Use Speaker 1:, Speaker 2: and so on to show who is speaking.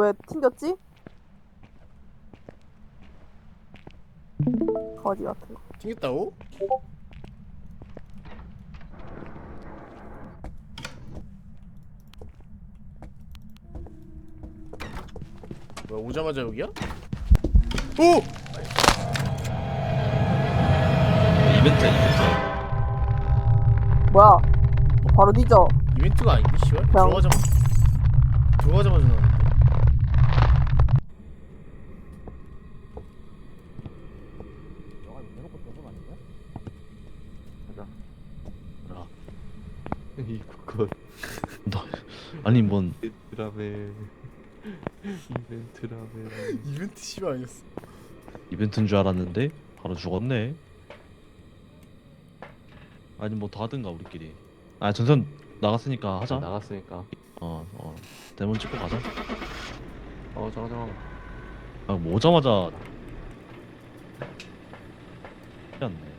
Speaker 1: 왜 튕겼지? 거지 같은 거.
Speaker 2: 튕겼다고? 뭐야 오자마자 여기야? 오!
Speaker 3: 이벤트.
Speaker 1: 뭐야? 바로 뒤져.
Speaker 2: 이벤트가 아닌데 씨발?
Speaker 1: 그냥-
Speaker 2: 들어가자마자 나왔는데?
Speaker 3: 라.
Speaker 4: 이거
Speaker 3: 너 아니 뭔
Speaker 4: 이벤트라며 이벤트라며
Speaker 2: 이벤트 씨발 아니었어.
Speaker 3: 이벤트인 줄 알았는데 바로 죽었네. 아니 뭐 더 하든가 우리끼리. 아 전선 나갔으니까 하자.
Speaker 4: 나갔으니까
Speaker 3: 데몬 찍고 가자.
Speaker 4: 잠깐
Speaker 3: 아 뭐 오자마자 않네.